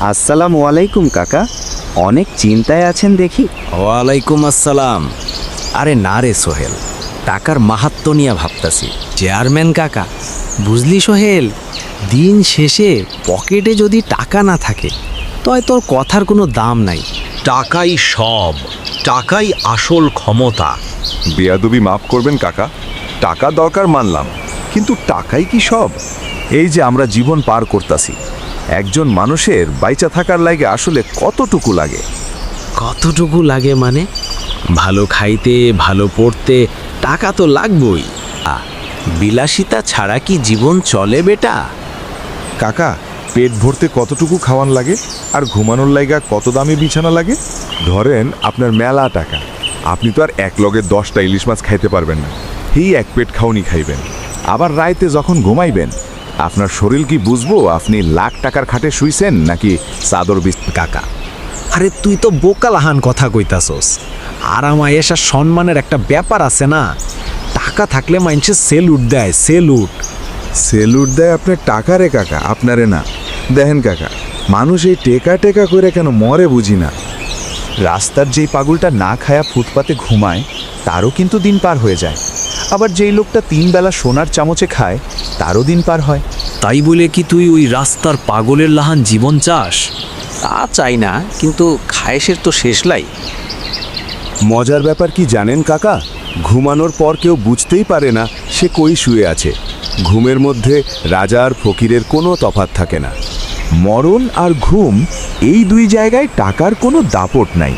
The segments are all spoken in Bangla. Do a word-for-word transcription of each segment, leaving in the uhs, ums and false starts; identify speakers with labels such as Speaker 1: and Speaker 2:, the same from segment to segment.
Speaker 1: আসসালামু আলাইকুম কাকা, অনেক চিন্তায় আছেন দেখি।
Speaker 2: ওয়ালাইকুম আসসালাম। আরে না রে সোহেল, টাকার মাহাত্ম্য নিয়ে ভাবতাছি। চেয়ারম্যান কাকা, বুঝলি সোহেল, দিন শেষে পকেটে যদি টাকা না থাকে তয় তোর কথার কোনো দাম নাই।
Speaker 3: টাকাই সব, টাকাই আসল ক্ষমতা।
Speaker 4: বেয়াদবি মাফ করবেন কাকা, টাকা দরকার মানলাম, কিন্তু টাকাই কি সব? এই যে আমরা জীবন পার করতাছি, একজন মানুষের বাইচা থাকার লাগে আসলে কতটুকু লাগে?
Speaker 2: কতটুকু লাগে মানে? ভালো খাইতে, ভালো পড়তে টাকা তো লাগবই। আ, বিলাসিতা ছাড়া কি জীবন চলে বেটা?
Speaker 4: কাকা, পেট ভরতে কতটুকু খাওয়ান লাগে, আর ঘুমানোর লাইগা কত দামি বিছানা লাগে? ধরেন আপনার মেলা টাকা, আপনি তো আর এক লগে দশটা ইলিশ মাছ খাইতে পারবেন না, এই এক পেট খাওনি খাইবেন। আবার রাইতে যখন ঘুমাইবেন, আপনার শরীর কি বুঝবো আপনি লাখ টাকার খাটে শুইছেন নাকি চাদর বিছ?
Speaker 2: কাকা, আরে তুই তো বোকালাহান কথা কইতাছস। আরাম আয়েশা সম্মানের একটা ব্যাপার আছে না? টাকা থাকলে মানুষে সেলুট দেয়, সেলুট।
Speaker 4: সেলুট দেয় আপনার টাকা রে কাকা, আপনারে না। দেখেন কাকা, মানুষ এই টেকা টেকা করে কেন মরে বুঝি না। রাস্তার যেই পাগলটা না খায়া ফুটপাতে ঘুমায়, তারও কিন্তু দিন পার হয়ে যায়। আবার যেই লোকটা তিন বেলা সোনার চামচে খায়, তারও দিন পার হয়।
Speaker 2: তাই বলে কি তুই ওই রাস্তার পাগলের লাহান জীবন চাস? তা চাই না, কিন্তু খায়েশের তো শেষ লাই।
Speaker 4: মজার ব্যাপার কি জানেন কাকা? ঘুমানোর পর কেউ বুঝতেই পারে না সে কই শুয়ে আছে। ঘুমের মধ্যে রাজা আর ফকিরের কোনো তফাৎ থাকে না। মরণ আর ঘুম, এই দুই জায়গায় টাকার কোনো দাপট নাই।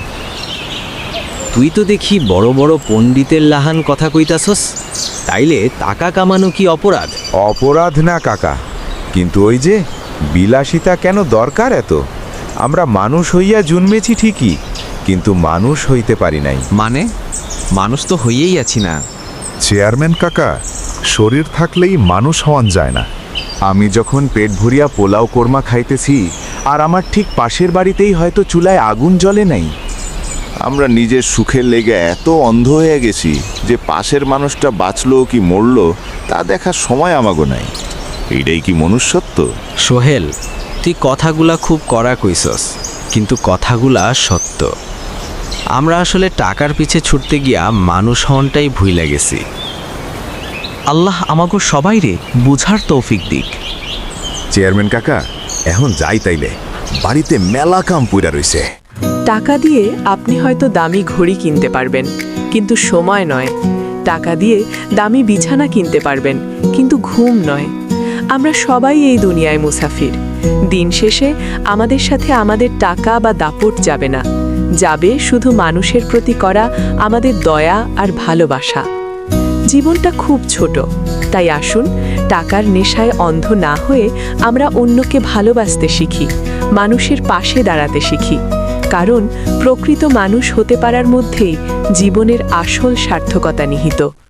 Speaker 5: তুই তো দেখি বড় বড় পণ্ডিতের লাহান কথা কইতাছস। তাইলে টাকা কামানো কি অপরাধ?
Speaker 4: অপরাধ না কাকা, কিন্তু ওই যে বিলাসিতা কেন দরকার এত? আমরা মানুষ হইয়া জন্মেছি ঠিকই, কিন্তু মানুষ হইতে পারি নাই।
Speaker 5: মানে মানুষ তো হইয়েই আছি না।
Speaker 4: চেয়ারম্যান কাকা, শরীর থাকলেই মানুষ হওয়ান যায় না। আমি যখন পেট ভরিয়া পোলাও কোরমা খাইতেছি, আর আমার ঠিক পাশের বাড়িতেই হয়তো চুলায় আগুন জ্বলে নাই, আমরা নিজের সুখের লেগে এত অন্ধ হয়ে গেছি যে পাশের মানুষটা বাঁচলো কি মরলো তা দেখার সময় আমাগো নাই। এইটাই কি মনুষ্যত্ব?
Speaker 5: সোহেল, তুই কথাগুলা খুব কড়া কইছস, কিন্তু কথাগুলা সত্য। আমরা আসলে টাকার পিছে ছুটতে গিয়া মানুষ হনটাই ভুইলা গেছি। আল্লাহ আমাগো সবাই রে বুঝার তৌফিক দিক।
Speaker 4: চেয়ারম্যান কাকা, এখন যাই তাইলে, বাড়িতে মেলা কাম পুইরা রইছে।
Speaker 6: টাকা দিয়ে আপনি হয়তো দামি ঘড়ি কিনতে পারবেন, কিন্তু সময় নয়। টাকা দিয়ে দামি বিছানা কিনতে পারবেন, কিন্তু ঘুম নয়। আমরা সবাই এই দুনিয়ায় মুসাফির। দিন শেষে আমাদের সাথে আমাদের টাকা বা দাপট যাবে না, যাবে শুধু মানুষের প্রতি করা আমাদের দয়া আর ভালোবাসা। জীবনটা খুব ছোট, তাই আসুন টাকার নেশায় অন্ধ না হয়ে আমরা অন্যকে ভালোবাসতে শিখি, মানুষের পাশে দাঁড়াতে শিখি। কারণ প্রকৃত মানুষ হতে পারার মধ্যেই জীবনের আসল সার্থকতা নিহিত।